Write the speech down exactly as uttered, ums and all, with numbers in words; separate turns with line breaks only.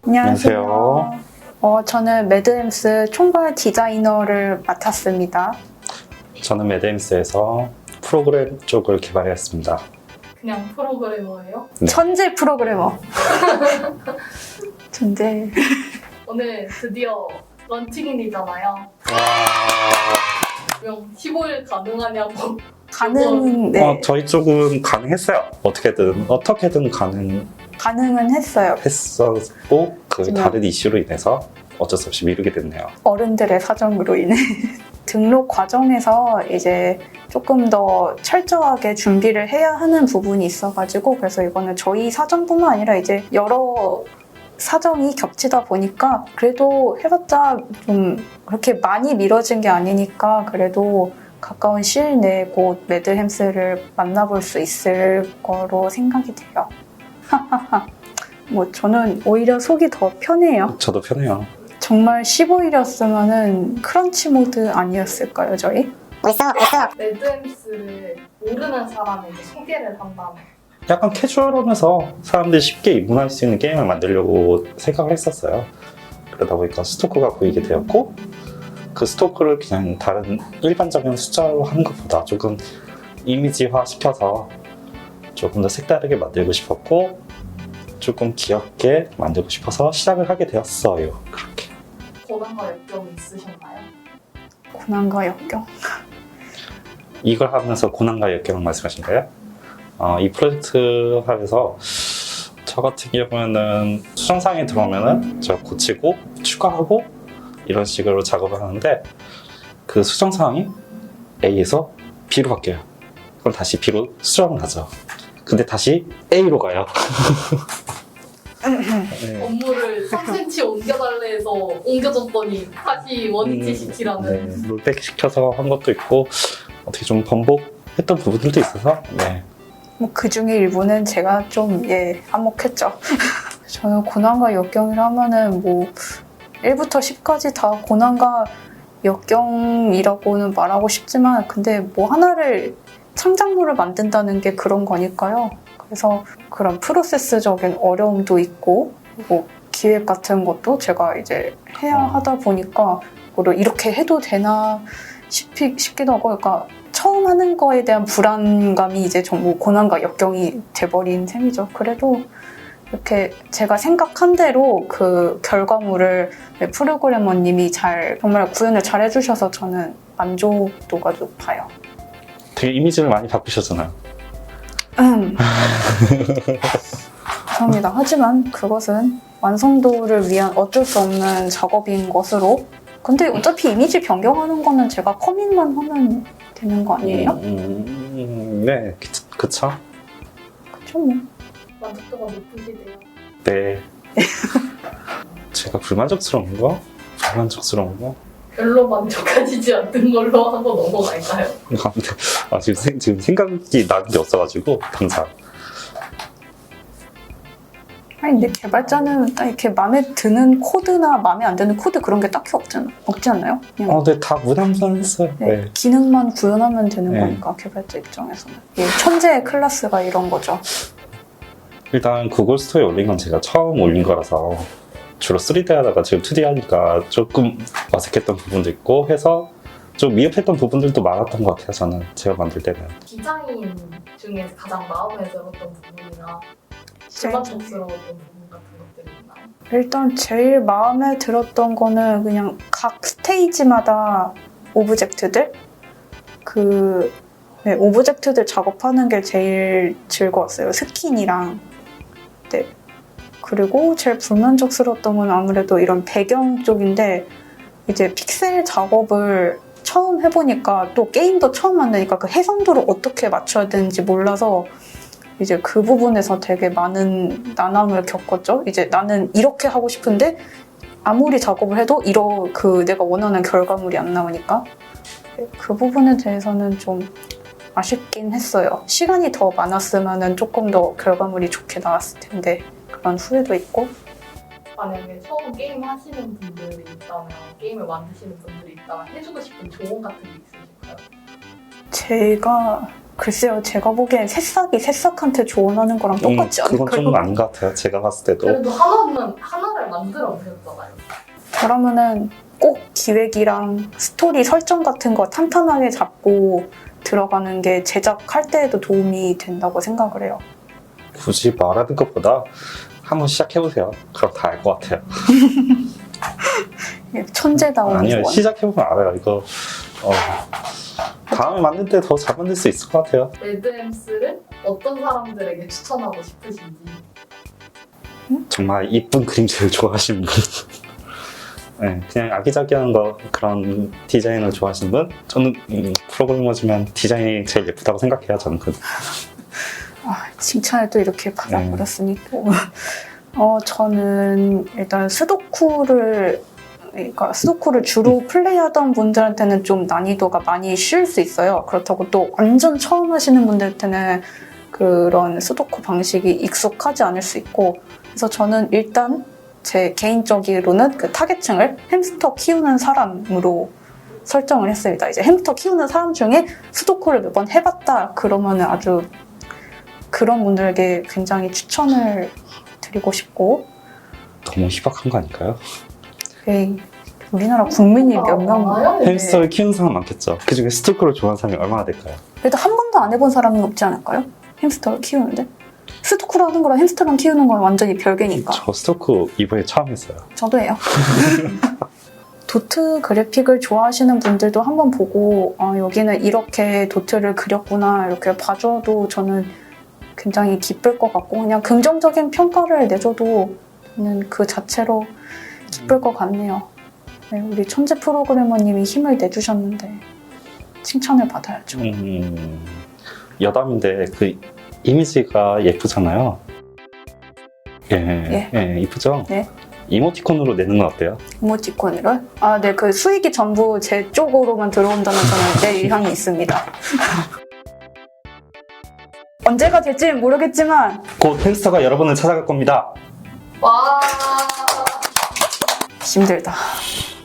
안녕하세요.
안녕하세요.
어, 저는 매드햄스 총괄 디자이너를 맡았습니다.
저는 매드햄스에서 프로그램 쪽을 개발했습니다.
그냥 프로그래머예요?
네.
천재 프로그래머. 천재.
오늘 드디어 런칭일이잖아요.
와...
그럼 십오 일 가능하냐고.
가능, 네.
어, 저희 쪽은 가능했어요. 어떻게든 어떻게든 가능했었고
가능은 했어요.
그
하지만-
다른 이슈로 인해서 어쩔 수 없이 미루게 됐네요.
어른들의 사정으로 인해. 등록 과정에서 이제 조금 더 철저하게 준비를 해야 하는 부분이 있어가지고, 그래서 이거는 저희 사정뿐만 아니라 이제 여러 사정이 겹치다 보니까 그래도 해봤자 좀 그렇게 많이 미뤄진 게 아니니까 그래도 가까운 시일 내에 곧 매드햄스를 만나볼 수 있을 거로 생각이 돼요. 뭐 저는 오히려 속이 더 편해요.
저도 편해요.
정말 십오 일이었으면은 크런치 모드 아니었을까요, 저희?
매드햄스를 모르는 사람에게 소개를 한다면
약간 캐주얼하면서 사람들이 쉽게 입문할 수 있는 게임을 만들려고 생각을 했었어요. 그러다 보니까 스토크가 보이게 되었고, 그 스토크를 그냥 다른 일반적인 숫자로 하는 것보다 조금 이미지화 시켜서 조금 더 색다르게 만들고 싶었고, 조금 귀엽게 만들고 싶어서 시작을 하게 되었어요. 그렇게.
고난과 역경이 있으셨나요?
고난과 역경.
이걸 하면서 고난과 역경을 말씀하신가요? 어, 이 프로젝트 하면서 저 같은 경우에는 수정사항이 들어오면은 제가 고치고 추가하고 이런 식으로 작업을 하는데, 그 수정사항이 A에서 B로 바뀌어요. 그럼 다시 B로 수정을 하죠. 근데 다시 A로 가요. 네.
업무를 삼 센티미터 옮겨달래 해서 옮겨줬더니 다시 원위치시키라는.
네, 롤백 시켜서 한 것도 있고, 어떻게 좀 번복했던 부분들도 있어서, 네.
뭐 그 중에 일부는 제가 좀, 예, 한몫했죠. 저는 고난과 역경이라 하면은 뭐 일부터 십까지 다 고난과 역경이라고는 말하고 싶지만, 근데 뭐 하나를 창작물을 만든다는 게 그런 거니까요. 그래서 그런 프로세스적인 어려움도 있고, 그리고 기획 같은 것도 제가 이제 해야 하다 보니까 그리고 이렇게 해도 되나 싶이, 싶기도 하고, 그러니까 처음 하는 거에 대한 불안감이 이제 전부 고난과 역경이 돼버린 셈이죠. 그래도 이렇게 제가 생각한 대로 그 결과물을 프로그래머님이 잘, 정말 구현을 잘 해주셔서 저는 만족도가 높아요.
되게 이미지를 많이 바꾸셨잖아요.
음. 감사합니다. 하지만 그것은 완성도를 위한 어쩔 수 없는 작업인 것으로. 근데 어차피 이미지 변경하는 거는 제가 커밋만 하면 되는 거 아니에요?
음, 음, 네, 그- 그쵸?
그쵸 뭐.
만족도가 높으시대요.
네. 제가 불만족스러운 거? 불만족스러운 거?
별로 만족하시지 않는 걸로 하고 넘어갈까요?
아, 근데, 아, 지금, 생, 지금 생각이 나는 게 없어가지고, 당장.
아니 근데 개발자는 딱 이렇게 마음에 드는 코드나 마음에 안 드는 코드 그런 게 딱히 없잖아. 없지 않나요? 그냥
어, 네, 다 무난무난했어요.
네,
네.
기능만 구현하면 되는
네.
거니까 개발자 입장에서는. 예, 천재의 클래스가 이런 거죠.
일단 구글 스토어에 올린 건 제가 처음 올린 거라서, 주로 쓰리디 하다가 지금 투디 하니까 조금 어색했던 부분도 있고 해서 좀 미흡했던 부분들도 많았던 것 같아요, 저는. 제가 만들 때는.
디자인 중에서 가장 마음에 들었던 부분이나 불만족스러웠던 부분 같은 것들이 있나요?
일단 제일 마음에 들었던 거는 그냥 각 스테이지마다 오브젝트들? 그 네, 오브젝트들 작업하는 게 제일 즐거웠어요. 스킨이랑. 네. 그리고 제일 불만족스러웠던 건 아무래도 이런 배경 쪽인데, 이제 픽셀 작업을 처음 해보니까 또 게임도 처음 만드니까 그 해상도를 어떻게 맞춰야 되는지 몰라서 이제 그 부분에서 되게 많은 난항을 겪었죠. 이제 나는 이렇게 하고 싶은데 아무리 작업을 해도 이러 그 내가 원하는 결과물이 안 나오니까 그 부분에 대해서는 좀 아쉽긴 했어요. 시간이 더 많았으면 조금 더 결과물이 좋게 나왔을 텐데 그런 후회도 있고.
만약에 처음 게임 하시는 분들이 있다면, 게임을 만드시는 분들이 있다면 해주고 싶은 조언 같은 게 있으실까요?
제가 글쎄요, 제가 보기엔 새싹이 새싹한테 조언하는 거랑 똑같지
음,
않을까요?
그건 좀 아닌 것 같아요. 제가 봤을 때도.
그래도 하나는 하나를 만들어 보셨잖아요.
그러면은 꼭 기획이랑 스토리 설정 같은 거 탄탄하게 잡고 들어가는 게 제작할 때에도 도움이 된다고 생각을 해요.
굳이 말하는 것보다 한번 시작해보세요. 그럼 다 알 것 같아요.
천재다운
아니요,
조언.
시작해보면 알아요. 이거 어, 다음에 만들 때 더 잘 만들 수 있을 것 같아요.
레드엠스를 어떤 사람들에게 추천하고 싶으신지.
정말 이쁜 그림체를 좋아하시는 분. 네, 그냥 아기자기한 거 그런 디자인을 좋아하시는 분? 저는 음, 프로그래머지만 디자인이 제일 예쁘다고 생각해요. 저는 그.
아, 칭찬을 또 이렇게 받아버렸으니 또. 어, 저는 일단 스도쿠를 그러니까 스도쿠를 주로 플레이하던 분들한테는 좀 난이도가 많이 쉬울 수 있어요. 그렇다고 또 완전 처음 하시는 분들한테는 그런 스도쿠 방식이 익숙하지 않을 수 있고, 그래서 저는 일단 제 개인적으로는 그 타겟층을 햄스터 키우는 사람으로 설정을 했습니다. 이제 햄스터 키우는 사람 중에 스도쿠를 몇 번 해봤다 그러면은 아주 그런 분들에게 굉장히 추천을 드리고 싶고.
너무 희박한 거 아닐까요?
에이, 우리나라 국민이 몇 명,
많아요, 이게.
햄스터를 키우는 사람 많겠죠. 그중에 스토커를 좋아하는 사람이 얼마나 될까요?
그래도 한 번도 안 해본 사람은 없지 않을까요? 햄스터를 키우는데? 스토크로 하는 거랑 햄스터랑 키우는 건 완전히 별개니까.
저 스토커 이번에 처음 했어요.
저도 해요. 도트 그래픽을 좋아하시는 분들도 한번 보고 어, 여기는 이렇게 도트를 그렸구나 이렇게 봐줘도 저는 굉장히 기쁠 것 같고, 그냥 긍정적인 평가를 내줘도 저는 그 자체로 기쁠 것 같네요. 네, 우리 천재 프로그래머님이 힘을 내주셨는데 칭찬을 받아야죠.
음, 여담인데 그 이미지가 예쁘잖아요. 예, 예, 이쁘죠?
네.
이모티콘으로 내는 건 어때요?
이모티콘으로? 아, 네, 그 수익이 전부 제 쪽으로만 들어온다면 저는 내 의향이 있습니다. 언제가 될지는 모르겠지만
곧 햄스터가 여러분을 찾아갈 겁니다.
와.
힘들다.